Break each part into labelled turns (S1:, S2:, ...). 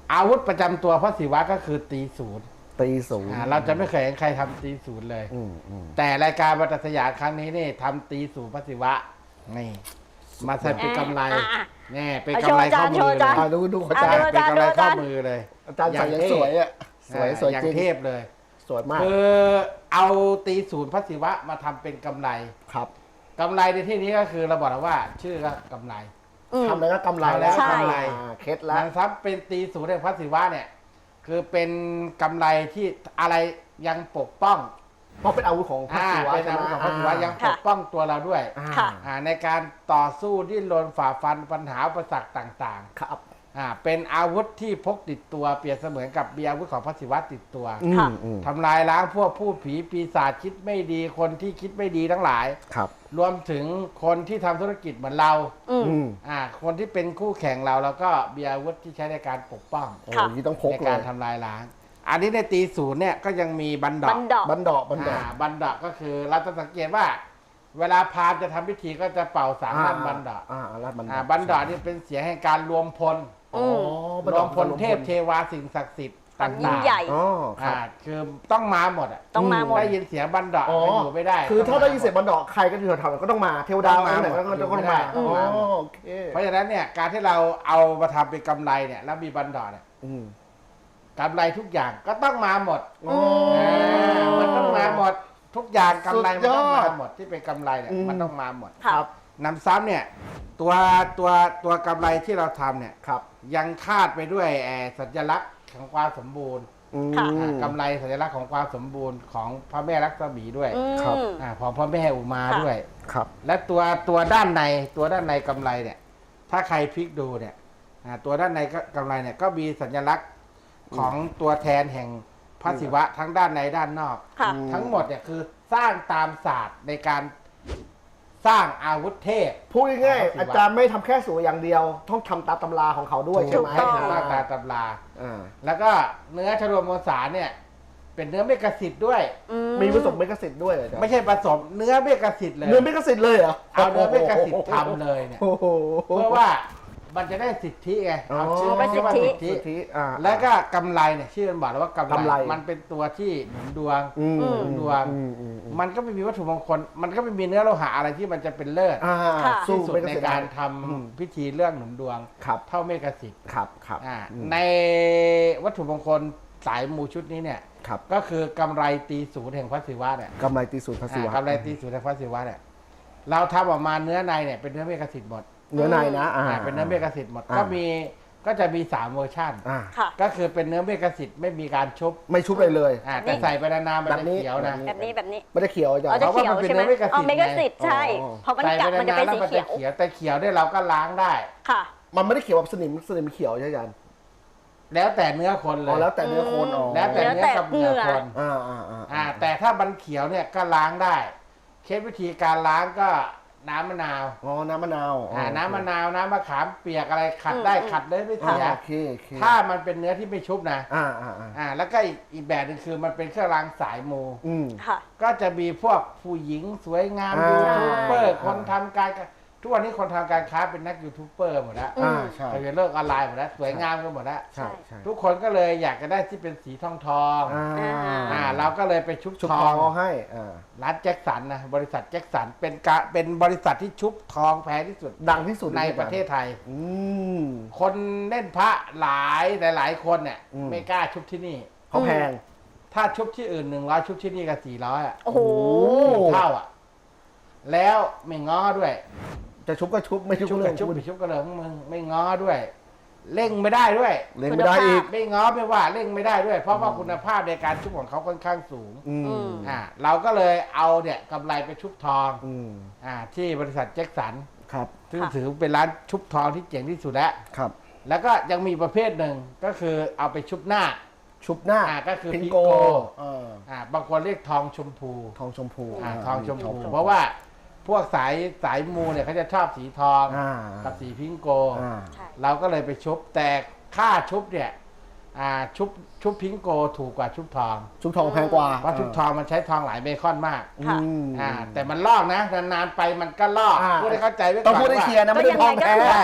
S1: อาวุธประจำตัวพระศิวะก็คือตีศูนย์
S2: ตีศูนย์
S1: เราจะไม่เคยเห็นใครทำตีศูนย์เลยแต่รายการบรรทัดสยามครั้งนี้นี่ทำตีศูนย์พระศิวะนี่มาใส่เป็นกำไรนี่เป็นกำไรข้อมือเลย
S2: ดูอาจารย์
S1: เป็นกำไรข้อมือเลย
S2: อาจารย์ใส่ยังสวยอ่ะสวย
S1: อย่าง
S2: จริง
S1: เทพเลย
S2: สวยมาก
S1: คือเอาตีศูนย์พระศิวะมาทำเป็นกำไร
S2: ครับ
S1: กำไรในที่นี้ก็คือเราบอกแล้วว่า ชื่อก็กำไร
S2: ทำแล้วก็กำไรแล้ว
S1: ใช่
S2: กำไรเคล็ดแล้ว
S1: นางทรัพย์เป็นตีศูนย์แห่งพระศิวะเนี่ยคือเป็นกำไรที่อะไรยังปกป้อง
S2: เพราะเป็นอาวุธของพระศิวะ
S1: เป็นอาวุธของพระศิวะยังปกป้องตัวเราด้วย
S3: ค่ะ
S1: ในการต่อสู้ดิ้นรนฝ่าฟันปัญหาอุปสรรคต่าง
S2: ครับ
S1: ๆเป็นอาวุธที่พกติดตัวเปรียบเสมือนกับมีอาวุธของพระศิวะติดตัว
S3: ค่ะ
S1: ทำลายล้างพวกพูดผีปีศาจคิดไม่ดีคนที่คิดไม่ดีทั้งหลาย
S2: ครับ
S1: รวมถึงคนที่ทำธุรกิจเหมือนเรา คนที่เป็นคู่แข่งเราแล้วก็มีอาวุธที่ใช้ในการปกป้อง
S2: โอ้ยต้องพก
S1: ใน
S2: เล
S1: การ
S2: ย
S1: ทำลายล้าง อันนี้ในตีศูนย์เนี่ยก็ยังมีบันด
S3: บั
S1: อก
S3: นดอก
S2: บันดอก
S1: บันดอกก็คือเราจะสังเกตว่า เวลาพราหมณ์จะทำพิธีก็จะเป่าสามลั่นบันดอก
S2: ลั่นบันดอก
S1: บันดอกนี่เป็นเสียงแห่งการรวมพล
S2: อ๋อบัน
S1: ร
S2: ด
S1: ว
S2: อ
S1: ม
S2: ก
S1: พลเทพเทวาสิ่งศักดิ์สิทธิ์
S3: ความยิ่
S1: ต่าง ง
S3: ใหญ่
S2: อ๋อครับ
S1: คือต้องมาหมด
S3: ต้องมาหมด
S1: ได้ยินเสียงบันดอก
S2: อ๋อ
S1: ไม่อยู่ไม่ได้
S2: คือถ้าได้
S1: งม
S2: ยินเสียงบันดอกใครก็อยู่แถวๆนั้นก็ต้องมาเทวดาไหนก็ต้องมา
S1: ต้องมา
S2: โอเค
S1: เพราะฉะนั้นเนี่ยการที่เราเอามาทำเป็นกำไรเนี่ยแล้วมีบันดอกเนี่ยกำไรทุกอย่างก็ต้องมาหมด มันต้องมาหมดทุกอย่างกำไรมันต้องมาหมดที่เป็นกำไรเนี่ยมันต้องมาหมด
S3: ครับ
S1: นำซ้ำเนี่ยตัวกำไรที่เราทำเนี่ย
S2: ครับ
S1: ยังคาดไปด้วยสัญลักษณ์ของความสมบูรณ์
S3: ค่ะ
S1: กำไรสัญลักษณ์ของความสมบูรณ์ของพระแม่ลักษมีด้วย
S2: ครับ
S1: ของพระแม่อุมาด้วย
S2: ครับ
S1: และตัวด้านในกำไรเนี่ย ถ้าใครพลิกดูเนี่ยตัวด้านในกำไรเนี่ยก็มีสัญลักษณ์ของตัวแทนแห่งพระศิวะทั้งด้านในด้านนอก
S3: ค่ะ
S1: ทั้งหมดเนี่ยคือสร้างตามศาสตร์ในการสร้างอาวุธเทพ
S2: พูดง่าย
S1: ของพระศิวะ
S2: ๆอาจารย์ไม่ทำแค่สวยอย่างเดียว ต้องทำตามตำราของเขาด้วยใช่ไหม
S3: ถูกต้อง
S1: สร้างตามตำรา
S2: อ่า
S1: แล้วก็เนื้อชรวมมวลสารเนี่ย เป็นเนื้อเมกะสิทธิ์ด้วย
S2: มีผสมเมกะสิทธิ์ด้วยเหรออาจารย์
S1: ไม่ใช่ผสมเนื้อเมกะสิทธิ์เลย
S2: เนื้อเมกะสิทธิ์เลยเหรอ
S1: เอาเนื้อเมกะสิทธิ์ทำเลยเนี่ย
S2: โอ้โห
S1: เพื่อว่ามันจะได้สิทธิไงเอาชื่อ
S3: เป็นสิทธิ
S1: ว่าสิทธิ
S2: สิทธิ
S1: แล้วก็กำไรเนี่ยชื่อมันบอกแล้วว่ากำ
S2: กำ
S1: ไร
S2: ไร
S1: มันเป็นตัวที่หนุนดวง
S2: อืม
S1: ดวง มันก็ไม่มีวัตถุมงคล มันก็ไม่มีเนื้อโลหะอะไรที่มันจะเป็นเลิศ
S3: ค่ะ
S2: สู้
S1: ที่สุด
S2: เมกะ
S1: ใน
S2: สิทธิ์
S1: การ
S2: ได้
S1: ทำพิธีเรื่องหนุนดวง
S2: ครับ
S1: เท่าเมกะสิทธิ์
S2: ครับครับ
S1: ในวัตถุมงคลสายมูชุดนี้เนี่ย
S2: ครับ
S1: ก็คือกำไรตีศูนย์แห่งพระศิวะเนี่ย
S2: กำไรตีศูนย์พระศิวะ
S1: กำไรตีศูนย์แห่งพระศิวะเนี่ยเราทำออกมาเนื้อในเนี่ยเป็นเนื้อเมกะสิทธิ์หมด
S2: เนื้อในนะ
S1: เป็นเนื้อเมกะสิทธิ์หมด
S2: อ่า
S1: ก็จะมี3เวอร์ชัน
S3: ค่ะ
S1: ก็คือเป็นเนื้อเมกะสิทธิ์ไม่มีการชุบ
S2: ไม่ชุบเลยเลย
S1: แต่ใส่ไปนานๆมัน
S2: แบบ
S1: จะ
S2: นี้
S1: เขียวนะ
S3: แบบนี้
S2: ไม่ได้เขียวอาจาร
S3: เรา
S2: ย์
S3: จะ
S1: เพราะ
S3: เขียว
S1: ว่ามันเป็น
S3: ใช่ไหม
S1: เนื้อเมกะสิทธิ์
S3: เมกะสิทธิ์ใช่
S2: อ๋อ
S3: เพราะมัน
S1: ใส่
S3: กัด
S1: ไป
S3: มันจะ
S1: นาน
S3: เป็น
S1: ๆแล้ว
S3: สี
S1: มัน
S3: เขี
S1: จะ
S3: ยว
S1: เขียวแต่เขียวเนี่ยเราก็ล้างได้
S3: ค่ะ
S2: มันไม่ได้เขียวแบบสนิมเขียวใช่ไหมอาจารย์
S1: แล้วแต่เนื้อคนเล
S2: อ๋อย แล้วแต่เนื้อโคนอ๋อ
S1: แล้วแต่เนื้อกับเนื้อคน แต่ถ้ามันเขียวเนี่ยก็ล้างได้ เคล็ดวิธีการล้างก็น้ำมะนาว
S2: อ๋อน้ำมะนาว
S1: น้ำมะนาวน้ำมะขามเปียกอะไรขัดได้ขัดเลยไม่เสีย
S2: โอเคโอเค
S1: ถ้ามันเป็นเนื้อที่ไม่ชุบนะ
S2: อ่า
S1: แล้วก็อีกแบบหนึงคือมันเป็นเครื่องรางสายมู
S3: ค่ะ
S1: ก็จะมีพวกผู้หญิงสวยงาม
S2: อ่า
S1: ยูทูบเบอร์
S2: อ่า
S1: คนทำการทุกวันนี้คนทำการค้าเป็นนักยูทูบเบอร์หมดแล้ว
S2: ใช่
S1: ไปเป็นโลกออนไลน์หมดแล้วสวยงามกันหมดแล้ว
S2: ใช่ใช่
S1: ทุกคนก็เลยอยากจะได้ที่เป็นสีทองเราก็เลยไปชุบ
S2: ชุบ
S1: ท
S2: ท
S1: อ
S2: อง งให้
S1: ร้านแจ็คสันนะบริษัทแจ็คสันเป็นบริษัทที่ชุบทองแพงที่สุด
S2: ดังที่สุด
S1: ในประเทศไทย
S2: อืม
S1: คนเล่นพระหลายคนเนี่ย ไม่กล้าชุบที่นี่
S2: เขาแพง
S1: ถ้าชุบที่อื่น100ชุบที่นี่ก็400อ่ะ
S3: โอ้โห
S1: เท่าอ่ะ แล้วไม่ง้อด้วย
S2: จะชุบก็ชุบไม่ชุบ
S1: ชุบ
S2: ก็เรื่
S1: กั
S2: อบ ง
S1: ชุบ
S2: คุณ
S1: ไปชุบกันเลยของมึงไม่ง้อด้วย เร่งไม่ได้ด้วย
S2: เล่นไม่ได้อีก
S1: ไม่ง้อไม่ว่าเร่งไม่ได้ด้วย เพราะว่าคุณภาพในการชุบของเขาค่อนข้างสูง เราก็เลยเอาเนี่ยกำไรไปชุบทองที่บริษัทแจ็คสัน
S2: ครับ
S1: ซึ่งถือเป็นร้านชุบทองที่เจ๋งที่สุดแล้ว
S2: ครับ
S1: แล้วก็ยังมีประเภทหนึ่งก็คือเอาไปชุบหน้า
S2: ชุบหน้า
S1: ก็คือ
S2: พิง
S1: พิง
S2: โก
S1: โก
S2: เออบ
S1: างคนเรียกทองชมพู
S2: ทองชมพู
S1: ทองชมพู เพราะว่าพวกสายมูเนี่ยเขาจะชอบสีทอง กับสีพิงโก
S3: ใช่
S1: เราก็เลยไปชุบแต่ค่าชุบเนี่ยชุบพิงโกถูกกว่าชุบทอง
S2: ชุบทองแพงกว่า
S1: เพราะชุบทองมันใช้ทองหลายเบคอนมาก
S3: ค่ะ
S1: แต่มันลอกนะนานๆไปมันก็ลอก
S2: อ่า
S1: พูดให้เข้าใจไว้ก่อน
S2: ต้องพูดให้เคลียร์นะไม่ได้ทองแท้
S1: ใช่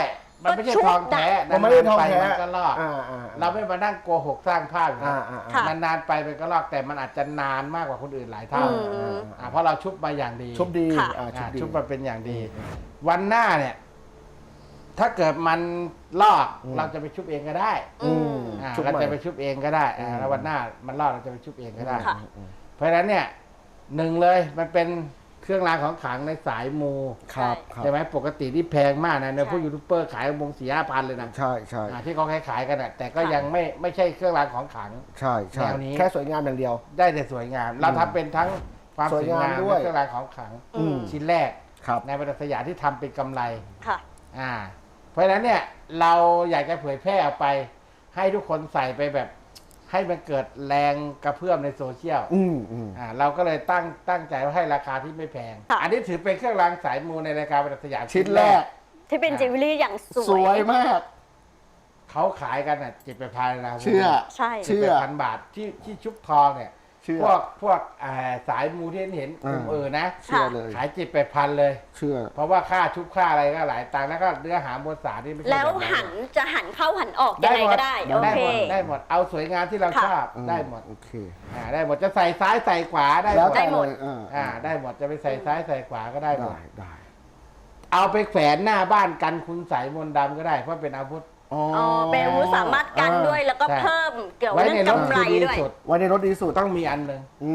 S1: มันไม่ใช่ทองแท้
S2: มันไม่ได้ทอง
S1: ไป
S2: แท้
S1: มันก็ลอก
S2: อ่า
S1: เราไม่มานั่งโกหกสร้างภาพอย่าง
S2: อ่า
S1: นั้น
S2: อ่า
S3: ค่ะ
S1: นานๆไปมันก็ลอกแต่มันอาจจะนานมากกว่าคนอื่นหลายเท่า เพราะเราชุบมาอย่างดี
S2: ชุบดี
S3: ค่ะ
S1: ชุบมาเป็นอย่างดี วันหน้าเนี่ย ถ้าเกิดมันลอกเราจะไปชุบเองก็ได้
S3: อืม
S2: ชุบ
S1: เรา
S2: ใหม่
S1: จะไปชุบเองก็ได้แล้ววันหน้ามันลอกเราจะไปชุบเองก็ได้
S3: ค่ะ
S1: เพราะฉะนั้นเนี่ยหนึ่งเลยมันเป็นเครื่องรางของขลังในสายมู
S2: ครับครับ
S1: ใช่ไหมปกติที่แพงมากนะในพวก
S3: ใช่
S1: ยูทูบเบอร์ขายวง4-5 พันเลยนะ
S2: ใช่ใช่
S1: ที่เขาขายกันอ่ะแต่ก็
S3: ค่ะ
S1: ยังไม่ใช่เครื่องรางของขลัง
S2: ใช่ใช่
S1: แนวนี้
S2: แค่สวยงามอย่างเดียว
S1: ได้แต่สวยงาม เราทำเป็นทั้งความสวยงาม
S2: สวยงามด้วย
S1: และเครื่องรางของขลัง
S3: อืม
S1: ชิ้นแรก
S2: ครับ
S1: ในบรรดาสยามที่ทำเป็นกำไร
S3: ค่ะ
S1: เพราะฉะนั้นเนี่ยเราอยากจะเผยแพร่ออกไป ให้ทุกคนใส่ไปแบบ ให้มันเกิดแรงกระเพื่อมในโซเชียล เราก็เลยตั้งใจว่าให้ราคาที่ไม่แพง
S3: ค่ะ
S1: อันนี้ถือเป็นเครื่องรางสายมูในรายการบรรดาสยาม
S2: ชิ้นแรก
S3: ที่เป็นจิวเวลรี่อย่างส
S2: ส
S3: ว
S2: วย ยมาก
S1: เขาขายกันอ่ะ7,000 นะ
S2: เชื่อ
S3: ใช่
S2: เชื่อ
S1: 7,000 บาทที่ชุบทองเนี่ย
S2: เชื่อ
S1: พวกสายมูที่เห็นกลุ่มนะ
S2: เชื่อเลย
S1: ขาย7,000 เลย
S2: เชื่อ
S1: เพราะว่าค่าชุบค่าอะไรก็หลายตังค์แล้วก็เนื้อหามวลสารนี่ไม่ใช่
S3: แล้ว
S1: บบนั้น
S3: หันจะหันเข้าหันออกยังไงก็ได้ โอ
S1: ได้
S3: เค
S1: หมดได้หมดเอาสวยงามที่เรา
S3: ค่ะ
S1: ชอบได้หมด
S2: โอเค
S1: ได้หมดจะใส่ซ้ายใส่ขวาได้ห
S2: แล้ว
S1: มด
S2: แต่
S3: ได้หมด
S2: เลย
S1: ได้หมดจะไปใส่ซ้ายใส่ขวาก็ได้หม
S2: ได้
S1: ด
S2: ได้
S1: เอาไปแขวนหน้าบ้านกันคุณใส่มนต์ดำก็ได้เพราะเป็นอาวุธ
S2: อ๋อ
S3: อ๋อเป็นอาวุธสามารถกันด้วยแล้วก็
S1: ใช่
S3: เพิ่มเกี่ยว
S1: ไว้
S3: เรื่อง
S1: ในรถ
S3: กำไร
S1: คือดี
S3: ด้วย
S1: สุด
S2: ไว้ในรถดีสุด
S1: ต้องมีอันหนึ่ง